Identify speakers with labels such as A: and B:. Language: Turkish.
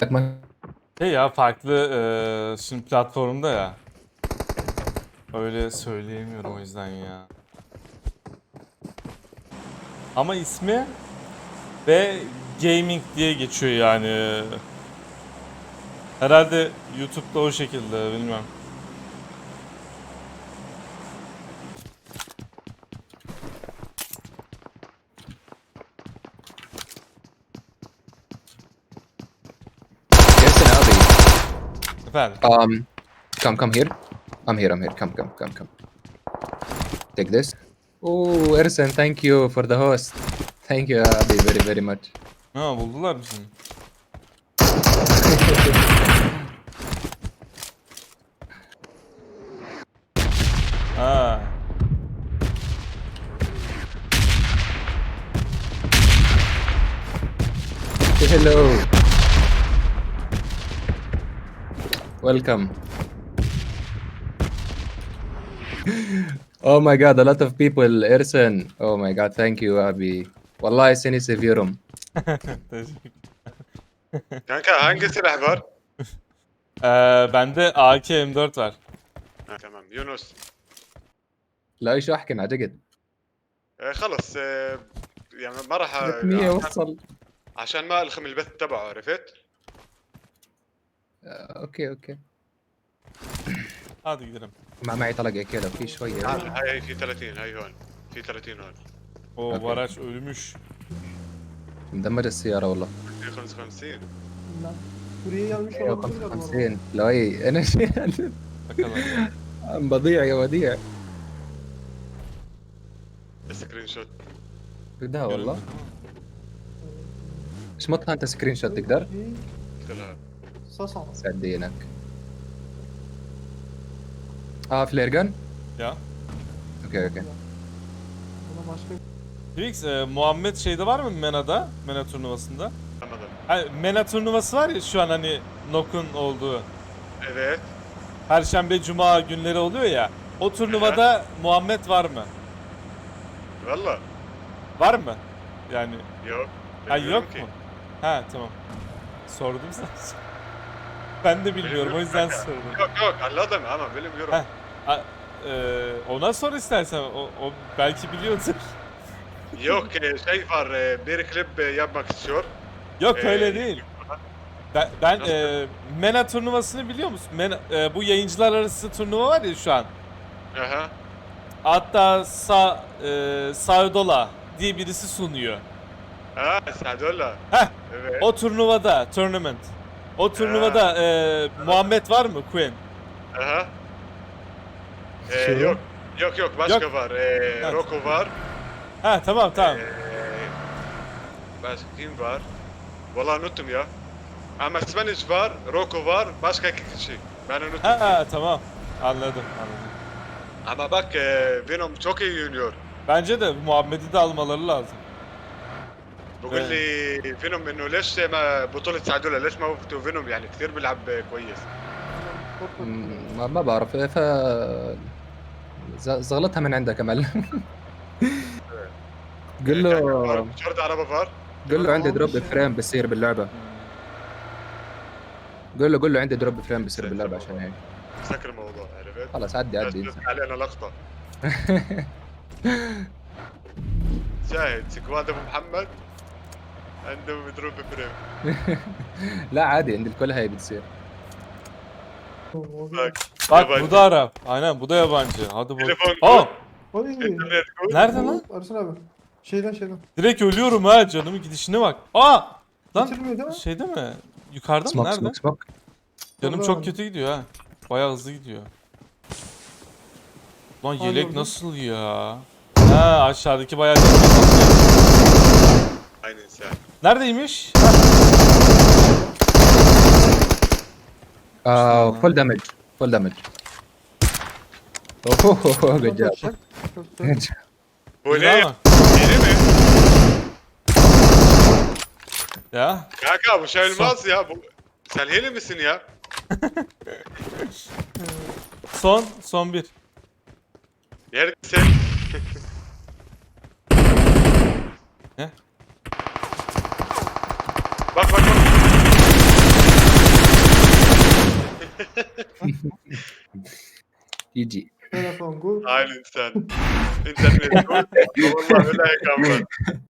A: Şey ya farklı şimdi platformda ya. Öyle söyleyemiyorum o yüzden ya. Ama ismi ve gaming diye geçiyor yani. Herhalde YouTube'da o şekilde bilmem.
B: Yes, and Abby.
A: Efendim.
B: Come here. I'm here. Come. Take this. Oh, Ersen, thank you for the host. Thank you, Abby, very much.
A: Ha buldular mı seni? Ha.
B: Say hello. Welcome. Oh my god, a lot of people. Ersen. Oh my god, thank you, Abby. Wallahi seni seviyorum.
A: Teşekkür.
C: Kanka hangi silah var?
A: Bende AK M4 var.
C: Ha, tamam Yunus.
B: لا ايش احكي انا جقد.
C: خلص يعني ما راح
B: 300 وصل.
C: عشان ما الخم البث تبعه عرفت؟
B: اوكي.
A: Hadi gidelim.
B: معي طلقه كذا في شويه.
C: هاي في 30 هاي هون في 30 هون
A: O
B: Okey.
A: bu araç ölmüş.
B: مدمجه السياره والله.
C: في 55
D: Lan. Buraya gelmiş olabilirler bu arada.
B: 55 لا اي انا
A: Bakalım.
B: بضيع يا وديع.
C: سكرين شوت
B: ده والله. ايش مطها انت سكرين شوت تقدر؟
C: قلت لها
D: Sas al.
B: سعد دينك. فلير جن؟
A: Ya.
B: اوكي.
D: Buna başka
A: Twix, Muhammed şeyde var mı Mena'da? Mena turnuvasında.
C: anladım.
A: Hani Mena turnuvası var ya şu an hani Nok'un olduğu.
C: Evet.
A: Perşembe, Cuma günleri oluyor ya. O turnuvada Muhammed var mı?
C: والله
A: Var mı? Yani
C: yok.
A: ha
C: Bilmiyorum
A: yok
C: ki.
A: mu? Ha tamam. Sordum sana. Ben de bilmiyorum o yüzden sordum.
C: Yok anladım ama bilmiyorum.
A: Heh. Ona sor istersen. O belki biliyordur.
C: Yok şey var bir klip yapmak istiyor.
A: Yok
C: Ee,
A: öyle değil. Ben
C: Nasıl?
A: Mena turnuvasını biliyor musun? Bu yayıncılar arası turnuva var ya şu an.
C: Aha.
A: Hatta Saudola diye birisi sunuyor.
C: Sadolla.
A: Heh.
C: Evet.
A: O turnuvada, tournament. O turnuvada Muhammed var mı Queen?
C: Aha.
B: Şu-
C: Yok başka
A: Yok.
C: var.
A: Evet.
C: Rocco var.
A: Ha tamam.
C: Başka kim var? Vallahi unuttum ya. Ama Spanish var, Rocco var, başka iki kişi. Ben unuttum.
A: Ha tamam. Anladım.
C: Ama bak Venom çok iyi oynuyor.
A: Bence de Muhammed'i de almaları lazım.
C: بقول لي فينوم انه ليش ما بطولة سعدولة ليش ما وقفتوا فينوم يعني كثير بيلعب كويس.
B: ما بعرف زغلتها من عندك يا معلم. قل له
C: شرط عربة فار.
B: قل له عندي دروب فريم بصير باللعبه. قل له عندي دروب فريم بصير باللعبه عشان هيك.
C: سكر الموضوع عرفت؟
B: خلاص عدي
C: بس علينا لقطة. شاهد سكواد ابو محمد عنده مضروب فريم.
B: لا عادي عند الكل هاي بتصير.
C: bak.
A: Bak
C: Yabancı.
A: bu da Arap. Aynen bu da yabancı. Hadi bak.
C: Telefon
A: Aa!
D: Oy.
C: internet koy.
A: Nerede lan?
D: Ersin abi. Şeyden.
A: Direkt ölüyorum ha canımın gidişine bak. Aa! Lan
D: Bitirmiyor değil mi?
A: şeyde mi? Yukarıda mı?
B: سموك
A: Nerede?
B: سموك سموك.
A: Canım
D: Orada
A: çok
D: abi.
A: kötü gidiyor ha. Bayağı hızlı gidiyor. Lan
D: Hangi
A: yelek
D: orada?
A: nasıl ya? Ha aşağıdaki bayağı
C: Aynen sen.
A: Neredeymiş?
B: فول دامج فول دامج. اوه جود جاب.
D: Çok güzel.
C: Bu
A: Güzel
C: ne?
A: ama.
C: Yeni mi?
A: Ya.
C: Kanka bu şey olmaz ya. Sen hile misin ya?
A: Son bir.
C: Yer sen.
A: Ne?
C: Bak.
B: يجي
D: Telefon kur.
C: هاي الانسان انت المسؤول والله ولا هيك عمرك